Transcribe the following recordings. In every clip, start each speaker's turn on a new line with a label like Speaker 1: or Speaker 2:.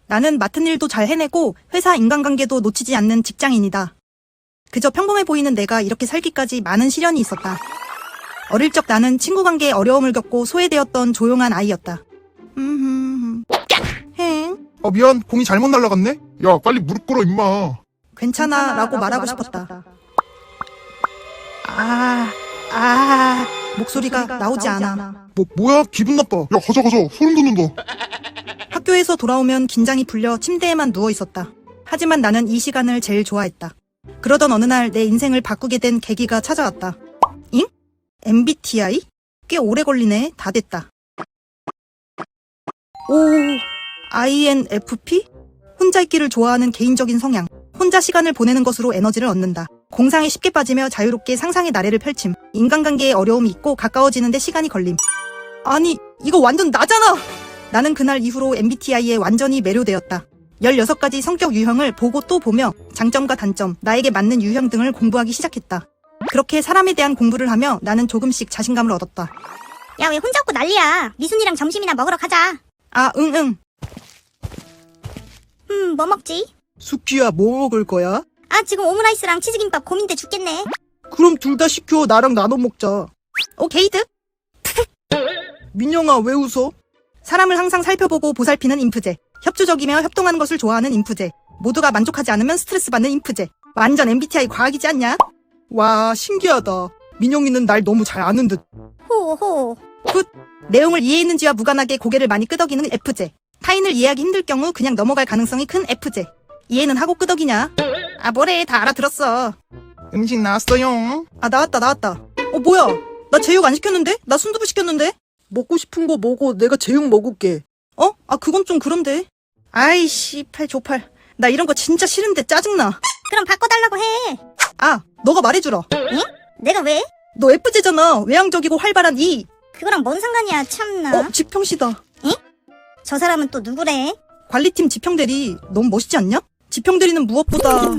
Speaker 1: 나는 맡은 일도 잘 해내고 회사 인간관계도 놓치지 않는 직장인이다. 그저 평범해 보이는 내가 이렇게 살기까지 많은 시련이 있었다. 어릴 적 나는 친구 관계에 어려움을 겪고 소외되었던 조용한 아이였다. 행.
Speaker 2: 미안, 공이 잘못 날아갔네? 야, 빨리 무릎 꿇어, 임마.
Speaker 1: 괜찮아 라고 말하고 싶었다. 목소리가 나오지 않아.
Speaker 2: 뭐야? 기분 나빠. 야, 가자. 소름 돋는다.
Speaker 1: 학교에서 돌아오면 긴장이 풀려 침대에만 누워 있었다. 하지만 나는 이 시간을 제일 좋아했다. 그러던 어느 날 내 인생을 바꾸게 된 계기가 찾아왔다. 잉? MBTI? 꽤 오래 걸리네. 다 됐다. INFP? 혼자 있기를 좋아하는 개인적인 성향. 혼자 시간을 보내는 것으로 에너지를 얻는다. 공상에 쉽게 빠지며 자유롭게 상상의 나래를 펼침. 인간관계에 어려움이 있고 가까워지는데 시간이 걸림. 아니, 이거 완전 나잖아! 나는 그날 이후로 MBTI에 완전히 매료되었다. 16가지 성격 유형을 보고 또 보며 장점과 단점, 나에게 맞는 유형 등을 공부하기 시작했다. 그렇게 사람에 대한 공부를 하며 나는 조금씩 자신감을 얻었다.
Speaker 3: 야, 왜 혼자 없고 난리야? 미순이랑 점심이나 먹으러 가자.
Speaker 1: 응.
Speaker 3: 뭐 먹지?
Speaker 1: 수키야, 뭐 먹을 거야?
Speaker 3: 지금 오므라이스랑 치즈김밥 고민돼 죽겠네.
Speaker 1: 그럼 둘 다 시켜. 나랑 나눠 먹자.
Speaker 3: 오케이드?
Speaker 1: 민영아, 왜 웃어? 사람을 항상 살펴보고 보살피는 인프제. 협조적이며 협동하는 것을 좋아하는 인프제. 모두가 만족하지 않으면 스트레스 받는 인프제. 완전 MBTI 과학이지 않냐? 와, 신기하다. 민영이는 날 너무 잘 아는 듯.
Speaker 3: 호호.
Speaker 1: 내용을 이해했는지와 무관하게 고개를 많이 끄덕이는 F제. 타인을 이해하기 힘들 경우 그냥 넘어갈 가능성이 큰 F제. 이해는 하고 끄덕이냐? 뭐래, 다 알아들었어.
Speaker 2: 음식 나왔어요.
Speaker 1: 나왔다. 뭐야? 나 제육 안 시켰는데? 나 순두부 시켰는데? 먹고 싶은 거 먹어. 내가 제육 먹을게. 그건 좀 그런데. 아이씨, 팔. 나 이런 거 진짜 싫은데 짜증나.
Speaker 3: 그럼 바꿔달라고 해.
Speaker 1: 너가 말해주라.
Speaker 3: 응? 내가 왜?
Speaker 1: 너 F제잖아. 외향적이고 활발한 E.
Speaker 3: 그거랑 뭔 상관이야, 참나.
Speaker 1: 지평씨다.
Speaker 3: 저 사람은 또 누구래?
Speaker 1: 관리팀 지평대리. 너무 멋있지 않냐? 지평대리는 무엇보다.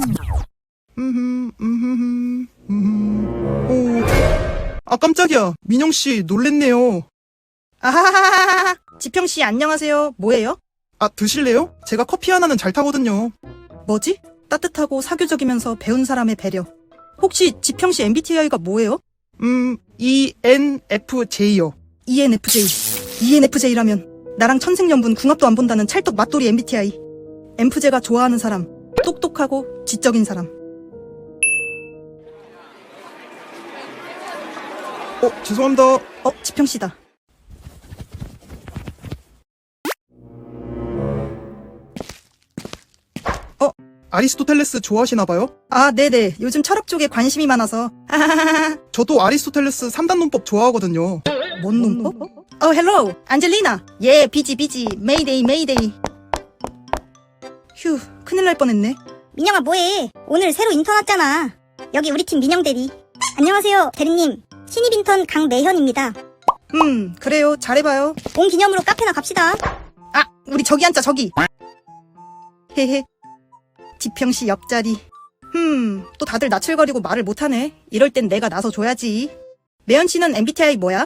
Speaker 1: 깜짝이야. 민영씨, 놀랬네요. 아하하하하. 지평씨, 안녕하세요. 뭐예요? 드실래요? 제가 커피 하나는 잘 타거든요. 뭐지? 따뜻하고 사교적이면서 배운 사람의 배려. 혹시 지평씨 MBTI가 뭐예요? ENFJ요. ENFJ. ENFJ라면 나랑 천생연분 궁합도 안 본다는 찰떡 맞돌이 MBTI. MFJ가 좋아하는 사람. 똑똑하고 지적인 사람. 죄송합니다. 지평씨다. 아리스토텔레스 좋아하시나봐요? 네네. 요즘 철학 쪽에 관심이 많아서. 저도 아리스토텔레스 3단 논법 좋아하거든요. 뭔 논법? 헬로, 안젤리나. 비지. 메이데이. 휴, 큰일 날 뻔했네.
Speaker 3: 민영아, 뭐해? 오늘 새로 인턴 왔잖아. 여기 우리 팀 민영 대리. 안녕하세요, 대리님. 신입 인턴 강매현입니다.
Speaker 1: 그래요. 잘해봐요.
Speaker 3: 온 기념으로 카페나 갑시다.
Speaker 1: 우리 저기 앉자, 저기. 헤헤. 지평씨 옆자리. 또 다들 나출거리고 말을 못하네. 이럴 땐 내가 나서줘야지. 매연씨는 MBTI 뭐야?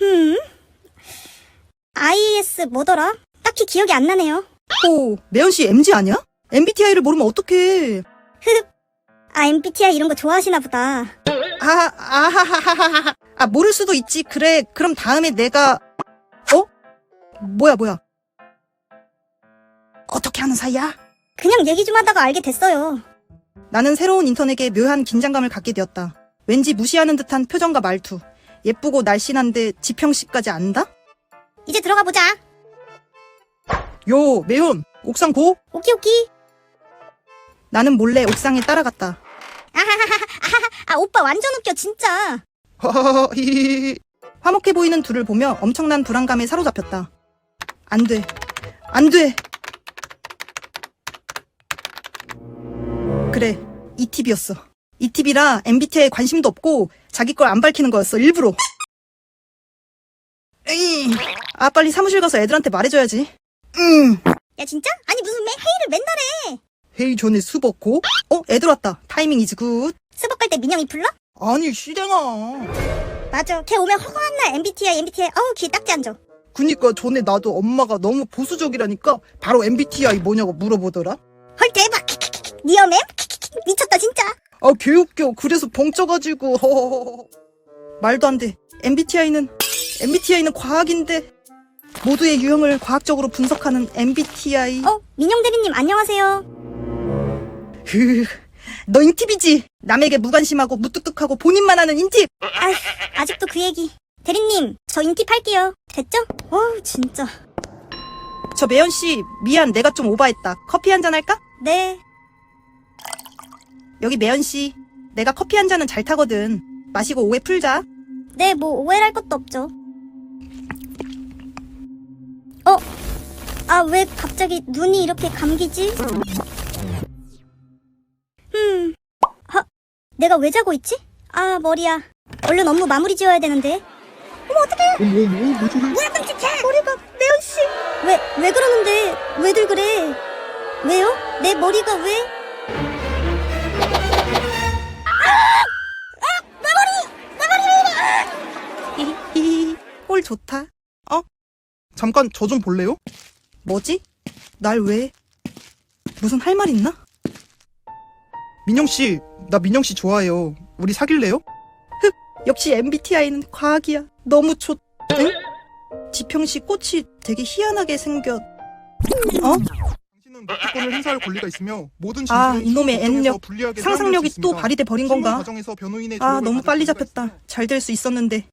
Speaker 3: IS 뭐더라? 딱히 기억이 안 나네요.
Speaker 1: 매연씨 MG 아니야? MBTI를 모르면 어떡해.
Speaker 3: MBTI 이런 거 좋아하시나 보다.
Speaker 1: 모를 수도 있지. 그래, 그럼 다음에 내가. 뭐야. 어떻게 하는 사이야?
Speaker 3: 그냥 얘기 좀 하다가 알게 됐어요.
Speaker 1: 나는 새로운 인턴에게 묘한 긴장감을 갖게 되었다. 왠지 무시하는 듯한 표정과 말투. 예쁘고 날씬한데 지평씨까지 안다?
Speaker 3: 이제 들어가 보자.
Speaker 1: 요, 매연, 옥상 고?
Speaker 3: 오키.
Speaker 1: 나는 몰래 옥상에 따라갔다.
Speaker 3: 오빠 완전 웃겨, 진짜.
Speaker 1: 화목해 보이는 둘을 보며 엄청난 불안감에 사로잡혔다. 안 돼. 그래, 이 팁이었어. 이 팁이라 MBTI에 관심도 없고 자기 걸 안 밝히는 거였어, 일부러. 빨리 사무실 가서 애들한테 말해줘야지.
Speaker 3: 야, 진짜? 아니, 무슨 회의를 맨날 해.
Speaker 1: 회의 전에 수벅고? 애들 왔다. 타이밍 이즈 굿.
Speaker 3: 수업 갈 때 민영이 불러?
Speaker 1: 아니, 시댕아.
Speaker 3: 맞아. 걔 오면 허구한 날 MBTI. 어우, 귀에 딱지 안 줘.
Speaker 1: 그니까 전에 나도 엄마가 너무 보수적이라니까 바로 MBTI 뭐냐고 물어보더라.
Speaker 3: 헐 대박. 니어맨? 미쳤다 진짜.
Speaker 1: 아 개웃겨. 그래서 벙쪄가지고 허허허허. 말도 안 돼. MBTI는 과학인데 모두의 유형을 과학적으로 분석하는 MBTI.
Speaker 3: 민영 대리님 안녕하세요.
Speaker 1: 너 인팁이지? 남에게 무관심하고 무뚝뚝하고 본인만 하는 인팁.
Speaker 3: 아직도 그 얘기. 대리님 저 인팁 할게요. 됐죠? 진짜.
Speaker 1: 저 매연씨 미안, 내가 좀 오바했다. 커피 한잔 할까?
Speaker 3: 네.
Speaker 1: 여기 매연씨, 내가 커피 한 잔은 잘 타거든. 마시고 오해 풀자.
Speaker 3: 네, 뭐 오해할 것도 없죠. 왜 갑자기 눈이 이렇게 감기지? 내가 왜 자고 있지? 머리야. 얼른 업무 마무리 지어야 되는데.
Speaker 2: 어머, 왜 저래?
Speaker 3: 뭐야, 끔찍해! 머리가, 매연씨! 왜 그러는데? 왜들 그래? 왜요? 내 머리가 왜?
Speaker 1: 히히히. 꼴 좋다. 잠깐 저 좀 볼래요? 뭐지? 날 왜? 무슨 할 말 있나? 민영씨, 나 민영씨 좋아해요. 우리 사귈래요? 역시 MBTI는 과학이야. 너무 좋... 응? 지평씨 꽃이 되게 희한하게 생겼...
Speaker 2: 당신은 목표권을 행사할 권리가 있으며 모든 진술을
Speaker 1: 이놈의
Speaker 2: 과정에서
Speaker 1: N력.
Speaker 2: 불리하게
Speaker 1: 상상력이
Speaker 2: 사용할 수
Speaker 1: 또
Speaker 2: 있습니다.
Speaker 1: 발휘돼 버린
Speaker 2: 실무
Speaker 1: 건가?
Speaker 2: 과정에서 변호인의 조언을
Speaker 1: 너무
Speaker 2: 받을
Speaker 1: 빨리
Speaker 2: 권리가
Speaker 1: 잡혔다.
Speaker 2: 있으며
Speaker 1: 잘 될 수 있었는데.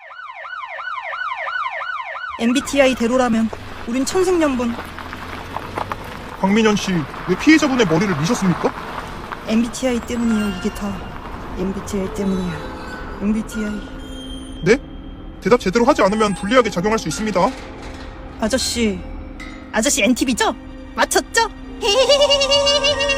Speaker 1: MBTI 대로라면 우린 천생연분.
Speaker 2: 박민현 씨, 왜 피해자분의 머리를 미셨습니까?
Speaker 1: MBTI 때문이에요. 이게 다 MBTI 때문이야. MBTI.
Speaker 2: 네? 대답 제대로 하지 않으면 불리하게 작용할 수 있습니다.
Speaker 1: 아저씨 NTV죠? 맞췄죠?